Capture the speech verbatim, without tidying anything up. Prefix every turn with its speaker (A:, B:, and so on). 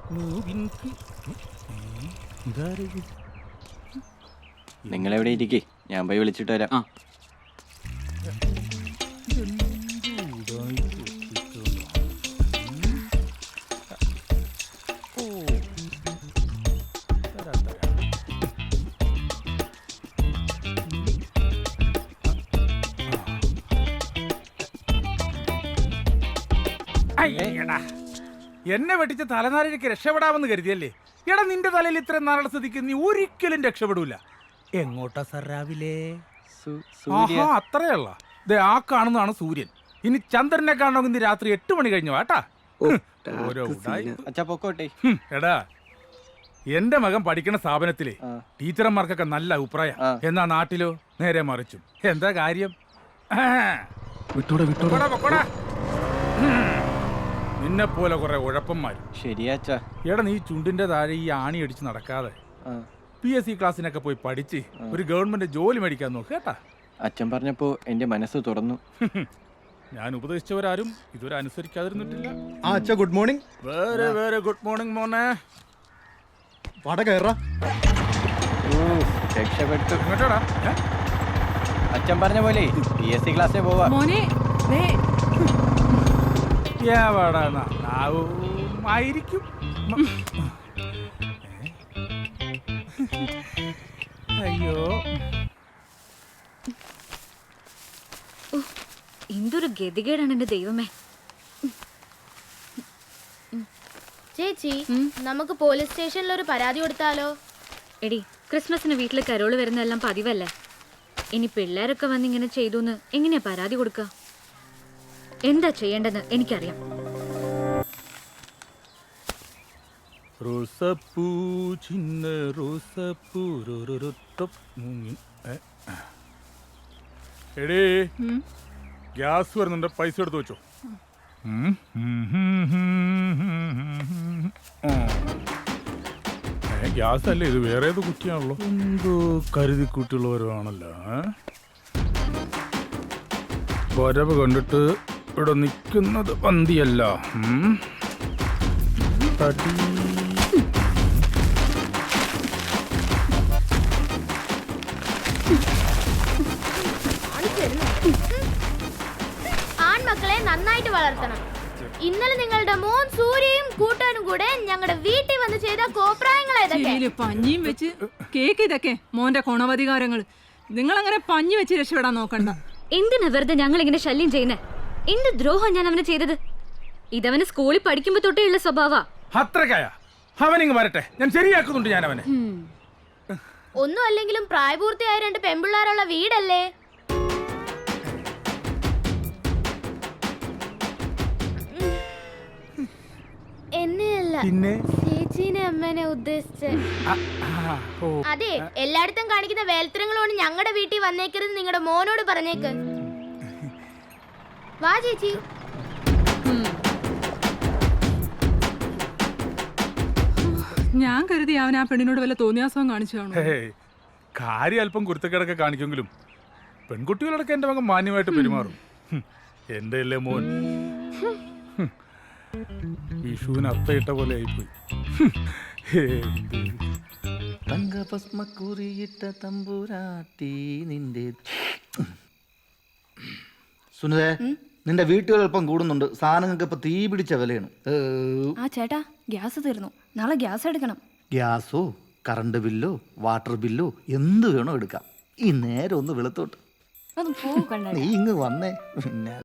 A: നിങ്ങൾ എവിടെ ഇരിക്കേ, ഞാൻ പോയി വിളിച്ചിട്ട് വരാം. ആ
B: എന്നെ വെട്ടിച്ച് തലനാരിഴയ്ക്ക് രക്ഷപ്പെടാമെന്ന് കരുതിയല്ലേ? എടാ, നിന്റെ തലയിൽ ഇത്രയും നാളെ സ്ഥിതിക്ക് നീ ഒരിക്കലും രക്ഷപ്പെടൂല. എങ്ങോട്ടാ സർ രാവിലെ? ആഹാ, അത്രയല്ല. ദേ ആ കാണുന്നതാണ് സൂര്യൻ. ഇനി ചന്ദ്രനെ കാണണമെങ്കിൽ ഇന്ന് രാത്രി എട്ട് മണി കഴിഞ്ഞു വാട്ടാ. എടാ, എന്റെ മകൻ പഠിക്കുന്ന സ്ഥാപനത്തിലെ ടീച്ചർമാർക്കൊക്കെ നല്ല അഭിപ്രായം. എന്നാ നാട്ടിലോ നേരെ മറിച്ചും. എന്താ കാര്യം? നിന്നെ പോലെ കുറെ ഉഴപ്പന്മാരും.
A: ശരിയാച്ചാ.
B: എടാ, നീ ചുണ്ടിന്റെ താഴെ ഈ ആണി അടിച്ച് നടക്കാതെ പി എസ് സി ക്ലാസ്സിനൊക്കെ പോയി പഠിച്ച് ഒരു ഗവൺമെന്റ് ജോലി മേടിക്കാൻ നോക്ക് കേട്ടാ.
A: അച്ഛൻ പറഞ്ഞപ്പോ എന്റെ മനസ്സ് തുറന്നു.
B: ഞാൻ ഉപദേശിച്ചവരാരും ഇതുവരെ അനുസരിക്കാതിരുന്നിട്ടില്ല.
C: ആ അച്ഛാ, ഗുഡ് മോർണിംഗ്.
B: വേറെ വേറെ ഗുഡ് മോർണിംഗ് മോനെ.
C: വട കയറാ.
A: രക്ഷപ്പെട്ടു.
B: ഇങ്ങോട്ടാടാ.
A: അച്ഛൻ പറഞ്ഞ പോലെ പി എസ് സി ക്ലാസ്സിൽ പോവാ.
B: ആയിരിക്കും. അയ്യോ,
D: എന്തൊരു ഗതികേടാണ് എന്റെ ദൈവമേ.
E: ചേച്ചി, നമുക്ക് പോലീസ് സ്റ്റേഷനിൽ ഒരു പരാതി കൊടുത്താലോ?
D: എടി, ക്രിസ്മസിന് വീട്ടിൽ കരോള് വരുന്നതെല്ലാം പതിവല്ലേ. ഇനി പിള്ളേരൊക്കെ വന്ന് ഇങ്ങനെ ചെയ്തു എങ്ങനെയാ പരാതി കൊടുക്കുക? എന്താ ചെയ്യേണ്ടെന്ന് എനിക്കറിയാം.
B: റോസപ്പൂ ചിന്ന റോസപ്പൂ. എടേ, ഗ്യാസ് വരുന്നുണ്ട്, പൈസ എടുത്ത് വെച്ചോ. ഗ്യാസ് അല്ലേ ഇത്? വേറെ ഏത് കുറ്റിയാണല്ലോ. എന്തോ കരുതി കുട്ടിയുള്ളവരുമാണല്ലോ. വരവ് കണ്ടിട്ട് ഇവിടെ നിൽക്കുന്നത് പന്തിയല്ല. തടി
E: ആൺമക്കളെ നന്നായിട്ട് വളർത്തണം. ഇന്നലെ നിങ്ങളുടെ മോൻ സൂര്യയും കൂട്ടാനും കൂടെ ഞങ്ങളുടെ വീട്ടിൽ വന്ന് ചെയ്ത കോപ്രായങ്ങളെ
F: പഞ്ഞിയും വെച്ച് കേക്ക് ഇതൊക്കെ മോന്റെ കൊണവധികാരങ്ങൾ. നിങ്ങൾ അങ്ങനെ പഞ്ഞി വെച്ച് രക്ഷപ്പെടാൻ നോക്കണ്ട.
D: എന്തിനാ വെറുതെ ഞങ്ങൾ ഇങ്ങനെ ശല്യം ചെയ്യുന്നേ? എന്ത് ദ്രോഹം ഞാൻ അവന് ചെയ്തത്? ഇതവന് സ്കൂളിൽ പഠിക്കുമ്പോ തൊട്ടേയുള്ള സ്വഭാവ.
B: അത്രക്കായ അവനിങ് വരട്ടെ, ഞാൻ ശരിയാക്കുന്നുണ്ട് ഞാൻ അവനെ.
E: ഒന്നും അല്ലെങ്കിലും പ്രായപൂർത്തിയായ രണ്ട് പെൺപിള്ളേരുള്ള വീടല്ലേ? എന്നെയല്ല, ചേച്ചീനെ അമ്മേനെ ഉദ്ദേശിച്ച്. അതെ, എല്ലായിടത്തും കാണിക്കുന്ന വേൽത്തരങ്ങളോട് ഞങ്ങളുടെ വീട്ടിൽ വന്നേക്കരുത് നിങ്ങളുടെ മോനോട് പറഞ്ഞേക്ക്. വാ ചേച്ചി.
F: ഞാൻ കരുതി അവൻ ആ പെണ്ണിനോട് വല്ല തോന്നിയാസവും കാണിച്ചു കാണും.
B: കാര്യം അല്പം കുരുത്തക്കേടൊക്കെ കാണിക്കുമെങ്കിലും പെൺകുട്ടികളൊക്കെ എന്റെ മകൻ മാന്യമായിട്ട് പെരുമാറും. എന്റെ അല്ലേ മോൻ. വിഷുവിന് അത്തയിട്ട പോലെ ആയിപ്പോയി.
C: സുനിതേ, നിന്റെ വീട്ടുകൾ അല്പം കൂടുന്നുണ്ട്. സാധനങ്ങൾക്ക് ഇപ്പൊ തീ പിടിച്ച വിലയാണ്.
E: ആ ചേട്ടാ, ഗ്യാസ് തീർന്നു. നാളെ ഗ്യാസ് എടുക്കണം.
C: ഗ്യാസോ കറണ്ട് ബില്ലോ വാട്ടർ ബില്ലോ എന്ത് വേണോ എടുക്കാം. ഈ നേരം ഒന്ന് വെളുത്തോട്ട് നീ ഇങ്ങ് വന്നേ. പിന്നെ